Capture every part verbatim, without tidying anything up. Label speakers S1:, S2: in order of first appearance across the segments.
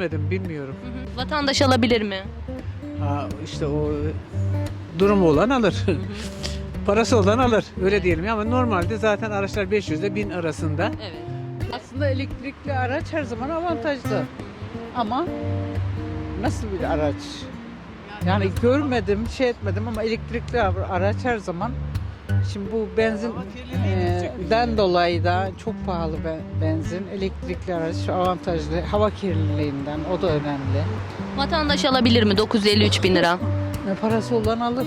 S1: görmedim, bilmiyorum.
S2: Hı hı. Vatandaş alabilir mi?
S1: Ha, işte o durumu olan alır. Parası olan alır. Öyle diyelim ama normalde zaten araçlar beş yüz ile bin arasında.
S2: Evet.
S3: Aslında elektrikli araç her zaman avantajlı. Ama nasıl bir araç? Yani görmedim, şey etmedim ama elektrikli araç her zaman. Şimdi bu benzinden dolayı da çok pahalı benzin. Elektrikli araç avantajlı. Hava kirliliğinden o da önemli.
S2: Vatandaş alabilir mi? dokuz yüz elli üç bin lira.
S3: Ne parası olan alır.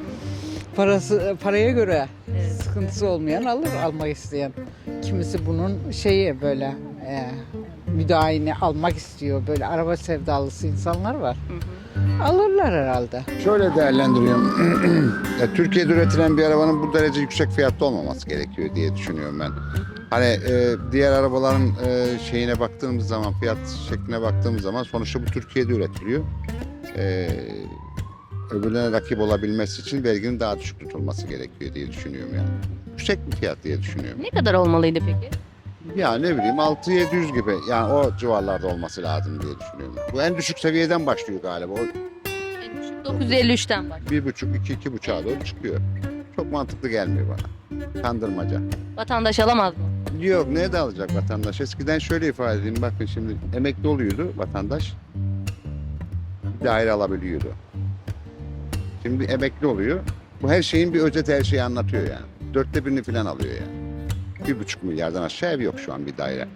S3: Parası paraya göre
S2: Evet.
S3: sıkıntısı olmayan alır, almak isteyen. Kimisi bunun şeyi böyle e, müdahale almak istiyor. Böyle araba sevdalısı insanlar var.
S2: Hı hı.
S3: Alırlar herhalde.
S4: Şöyle değerlendiriyorum. Ya, Türkiye'de üretilen bir arabanın bu derece yüksek fiyatlı olmaması gerekiyor diye düşünüyorum ben. Hani e, diğer arabaların e, şeyine baktığımız zaman, fiyat şekline baktığımız zaman sonuçta bu Türkiye'de üretiliyor. E, öbürlerine rakip olabilmesi için verginin daha düşük tutulması gerekiyor diye düşünüyorum yani. Yüksek bir fiyat diye düşünüyorum.
S2: Ne kadar olmalıydı peki?
S4: Ya ne bileyim altı yedi yüz gibi yani o civarlarda olması lazım diye düşünüyorum. Bu en düşük seviyeden başlıyor galiba. O
S2: En düşük dokuz yüz elli üçten bak.
S4: bir buçuk, iki, iki buçuğa doğru çıkıyor. Çok mantıklı gelmiyor bana. Kandırmaca.
S2: Vatandaş alamaz mı?
S4: Yok ne de alacak vatandaş? Eskiden şöyle ifade edeyim. Bakın şimdi emekli oluyordu vatandaş. Bir daire alabiliyordu. Şimdi emekli oluyor. Bu her şeyin bir özet her şeyi anlatıyor yani. Dörtte birini falan alıyor yani. Bir buçuk milyardan aşağı ev yok şu an bir daire.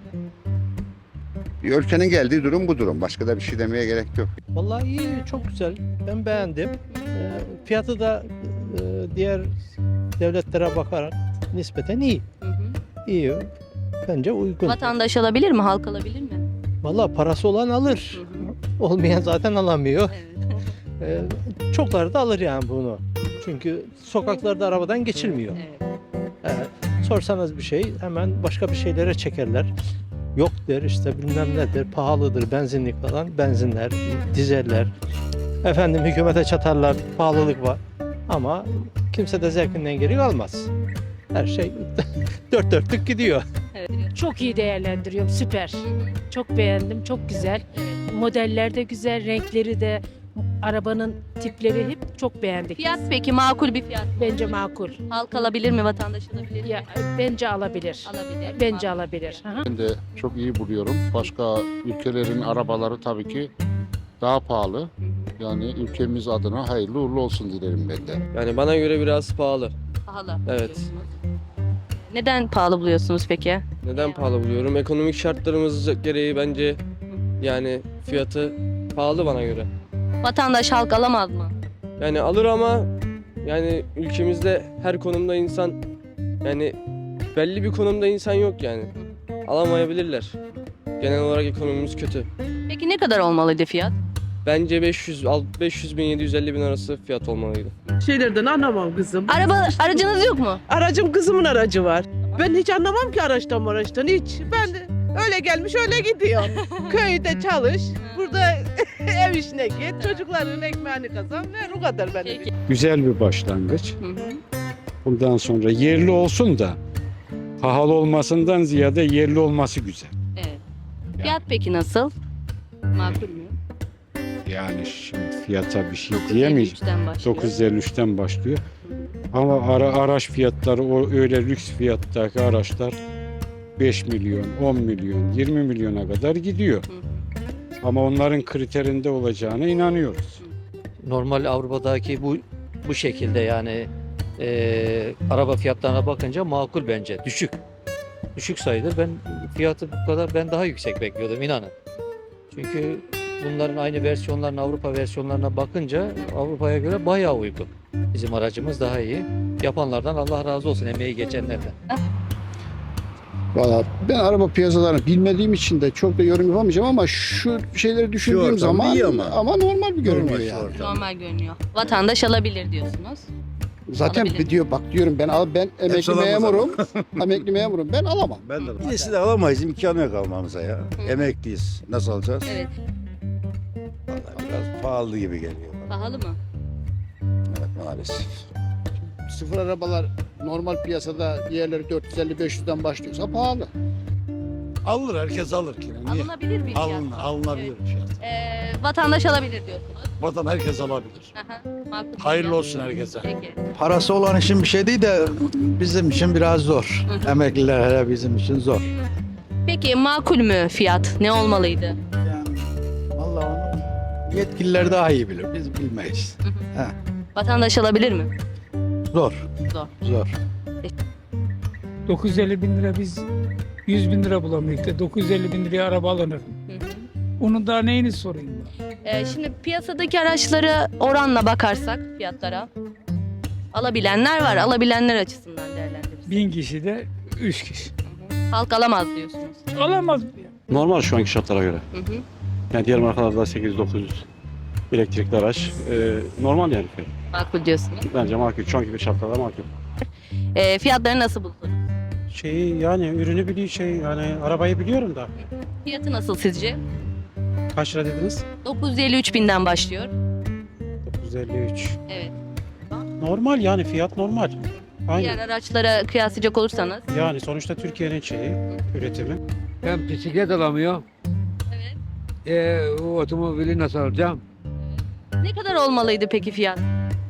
S4: Bir ülkenin geldiği durum bu durum. Başka da bir şey demeye gerek yok.
S5: Vallahi iyi, çok güzel. Ben beğendim. Ee, fiyatı da e, diğer devletlere bakarak nispeten iyi.
S2: Hı hı.
S5: İyi. Bence uygun.
S2: Vatandaş alabilir mi? Halk alabilir mi?
S5: Vallahi parası olan alır. Olmayan zaten alamıyor.
S2: Evet.
S5: Ee, çokları da alır yani bunu. Çünkü sokaklarda arabadan geçilmiyor.
S2: Evet.
S5: Evet. Sorsanız bir şey hemen başka bir şeylere çekerler. Yok der işte bilmem nedir, pahalıdır benzinlik falan, benzinler, dizeller. Efendim hükümete çatarlar, pahalılık var. Ama kimse de zevkinden geri kalmaz. Her şey dört dörtlük gidiyor.
S6: Çok iyi değerlendiriyorum, süper. Çok beğendim, çok güzel. Modeller de güzel, renkleri de, arabanın tipleri hep çok beğendik.
S2: Fiyat peki makul bir fiyat.
S6: Bence makul.
S2: Halk alabilir mi? Vatandaş alabilir mi?
S6: Ya bence alabilir.
S2: Alabilir.
S6: Bence alabilir. Hı hı.
S7: Ben de çok iyi buluyorum. Başka ülkelerin arabaları tabii ki daha pahalı. Yani ülkemiz adına hayırlı uğurlu olsun dilerim ben de.
S8: Yani bana göre biraz pahalı.
S2: Pahalı.
S8: Evet.
S2: diyorsunuz. Neden pahalı buluyorsunuz peki?
S8: Neden pahalı buluyorum? Ekonomik şartlarımız gereği bence yani fiyatı pahalı bana göre.
S2: Vatandaş halk alamaz mı?
S8: Yani alır ama yani ülkemizde her konumda insan yani belli bir konumda insan yok yani. Alamayabilirler. Genel olarak ekonomimiz kötü.
S2: Peki ne kadar olmalıydı fiyat?
S8: Bence beş yüz beş yüz bin yedi yüz elli bin arası fiyat olmalıydı.
S9: Şeylerden anlamam kızım.
S2: Araba aracınız yok mu?
S9: Aracım kızımın aracı var. Ben hiç anlamam ki araçtan araçtan hiç. Ben de öyle gelmiş öyle gidiyor. Köyde çalış, burada ev işine git, çocukların ekmeğini kazan ve o kadar benim.
S2: Peki.
S10: Güzel bir başlangıç.
S2: Hı hı.
S10: Bundan sonra yerli olsun da pahalı olmasından ziyade yerli olması güzel.
S2: Evet. Fiyat peki nasıl? Makul mü?
S10: Yani şimdi fiyata bir şey
S2: dokuz yüz elli
S10: diyemeyiz.
S2: üçten başlıyor.
S10: dokuz yüz elli üçten başlıyor. Ama ara, araç fiyatları o öyle lüks fiyattaki araçlar beş milyon, on milyon, yirmi milyona kadar gidiyor.
S2: Hı hı.
S10: Ama onların kriterinde olacağına inanıyoruz.
S11: Normal Avrupa'daki bu bu şekilde yani e, araba fiyatlarına bakınca makul bence. Düşük. Düşük sayılır. Ben fiyatı bu kadar ben daha yüksek bekliyordum inanın. Çünkü bunların aynı versiyonların Avrupa versiyonlarına bakınca Avrupa'ya göre bayağı uygun. Bizim aracımız daha iyi. Yapanlardan Allah razı olsun, emeği geçenlerden.
S4: Valla ben araba piyasalarını bilmediğim için de çok da yorum yapamayacağım ama şu şeyleri düşündüğüm
S7: ortam
S4: zaman
S7: iyi
S4: ama.
S7: ama.
S4: normal bir görünüyor
S7: Normal
S4: yani.
S7: ortam.
S2: Normal görünüyor. Vatandaş alabilir diyorsunuz.
S4: Zaten
S2: Alabilir.
S4: diyor bak diyorum ben al ben emekli
S7: alamaz
S4: memurum. emekli memurum ben alamam.
S7: Ben de
S12: İkisi de alamayız imkanı yok almamıza ya. Emekliyiz. Nasıl alacağız?
S2: Evet.
S12: Vallahi biraz pahalı gibi geliyor bana.
S2: Pahalı mı?
S12: Evet, maalesef.
S4: Sıfır arabalar normal piyasada diğerleri dört yüz elli beş yüzden başlıyorsa pahalı.
S7: alır herkes alır ki. Niye?
S2: Alınabilir bir fiyat.
S7: Alın, alınabilir
S2: Evet.
S7: bir fiyat.
S2: Ee, vatandaş alabilir diyorsunuz.
S12: Vatan herkes alabilir.
S2: Aha, makul.
S12: Hayırlı olsun herkese.
S2: Peki.
S12: Parası olan için bir şey değil de bizim için biraz zor.
S2: Hı hı.
S12: Emekliler hele bizim için zor.
S2: Peki makul mü fiyat? Ne olmalıydı?
S12: Yani vallahi onu yetkililer daha iyi bilir. Biz bilmeyiz.
S2: Vatandaş alabilir mi?
S12: Zor.
S2: Zor.
S12: Zor.
S13: dokuz yüz elli bin lira biz yüz bin lira bulamıyoruz da dokuz yüz elli bin liraya araba alınır.
S2: Hı hı.
S13: Onun daha neyini sorayım ben?
S2: Ee, şimdi piyasadaki araçları oranla bakarsak fiyatlara alabilenler var. Alabilenler açısından değerlendiririz.
S13: Bin kişi de üç kişi.
S2: Halk alamaz diyorsunuz.
S13: Alamaz mı?
S10: Normal şu anki şartlara göre.
S2: Hı hı.
S10: Yani diğer markalarda sekiz yüz dokuz yüz elektrikli araç. Ee, normal yani.
S2: Makul diyorsunuz.
S10: Bence makul. Şu anki şartlarda makul.
S2: Ee, fiyatları nasıl buldunuz?
S5: Şeyi yani ürünü biliyor şey yani arabayı biliyorum da.
S2: Fiyatı nasıl sizce?
S5: Kaç lira dediniz?
S2: dokuz yüz elli üç binden başlıyor.
S5: dokuz yüz elli üç.
S2: Evet.
S5: Normal yani fiyat normal.
S2: Diğer araçlara kıyaslayacak olursanız.
S5: Yani sonuçta Türkiye'nin şeyi, üretimi.
S1: Ben bisiklet alamıyorum.
S2: Evet.
S1: E, o otomobili nasıl alacağım?
S2: Ne kadar olmalıydı peki fiyat?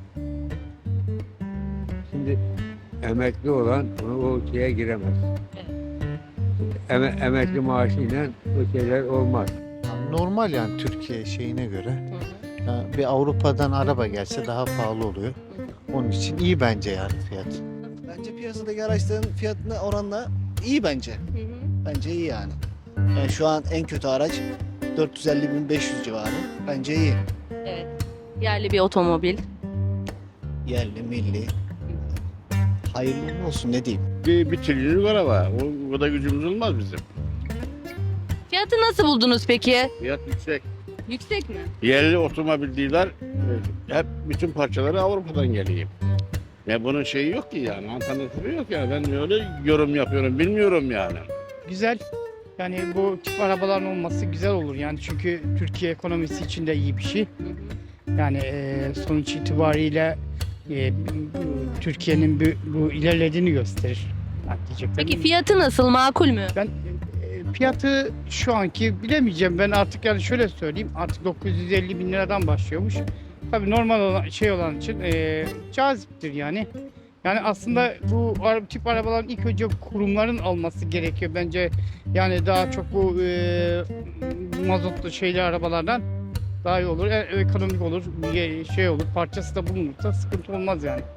S1: Şimdi emekli olan o şeye giremez. Eme, emekli maaşıyla o şeyler olmaz.
S14: Normal yani Türkiye şeyine göre.
S2: Hı hı.
S14: Ya bir Avrupa'dan araba gelse daha pahalı oluyor. Onun için iyi bence yani fiyat.
S15: Bence piyasadaki araçların fiyatına oranla iyi bence.
S2: Hı hı.
S15: Bence iyi yani. Yani şu an en kötü araç dört yüz elli bin beş yüz civarı. Bence iyi.
S2: Evet. Yerli bir otomobil.
S15: Yerli, milli. Hayırlı uğurlu olsun ne diyeyim.
S12: Bir, bir trilyonluk araba. O, o kadar gücümüz olmaz bizim.
S2: Fiyatı nasıl buldunuz peki?
S12: Fiyat yüksek.
S2: Yüksek mi?
S12: Yerli otomobil dealer hep bütün parçaları Avrupa'dan geliyor. Ya bunun şeyi yok ki yani. Alternatifi yok ya. Ben öyle yorum yapıyorum. Bilmiyorum yani.
S13: Güzel. Yani bu tip arabaların olması güzel olur yani çünkü Türkiye ekonomisi için de iyi bir şey.
S2: Hı hı.
S13: Yani e, sonuç itibariyle e, Türkiye'nin bu, bu ilerlediğini gösterir. Yani diyeceklerim.
S2: Peki fiyatı nasıl? Makul mü?
S13: Ben e, fiyatı şu anki bilemeyeceğim. Ben artık yani şöyle söyleyeyim. Artık dokuz yüz elli bin liradan başlıyormuş. Tabii normal olan şey olan için e, caziptir yani. Yani aslında bu ara- tip arabaların ilk önce kurumların alması gerekiyor bence. Yani daha çok bu e, mazotlu şeyli arabalardan daha iyi olur. E, ekonomik olur, bir şey olur. Parçası da bulunursa sıkıntı olmaz yani.